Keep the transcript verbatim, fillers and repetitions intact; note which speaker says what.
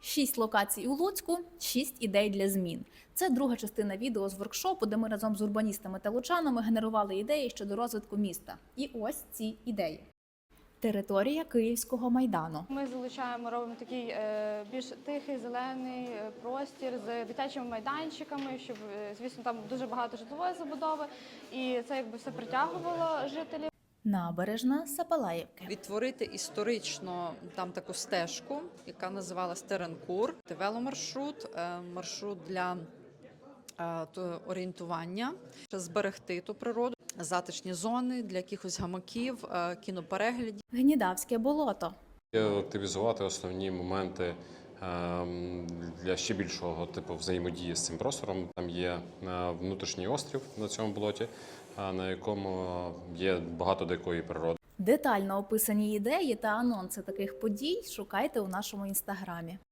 Speaker 1: Шість локацій у Луцьку, шість ідей для змін. Це друга частина відео з воркшопу, де ми разом з урбаністами та лучанами генерували ідеї щодо розвитку міста. І ось ці ідеї. Територія Київського майдану.
Speaker 2: Ми залучаємо, робимо такий е, більш тихий, зелений е, простір з дитячими майданчиками, щоб, е, звісно, там дуже багато житлової забудови, і це якби все притягувало жителів.
Speaker 1: Набережна Сапалаївки.
Speaker 3: Відтворити історично там таку стежку, яка називалась Теренкур, веломаршрут, е, маршрут для е, то орієнтування, зберегти ту природу, затишні зони для якихось гамаків, е, кінопереглядів.
Speaker 1: Гнідавське болото.
Speaker 4: Активізувати основні моменти ем, для ще більшого типу взаємодії з цим простором. Там є е, внутрішній острів на цьому болоті, е, на якому є багато дикої природи.
Speaker 1: Детально описані ідеї та анонси таких подій шукайте у нашому інстаграмі.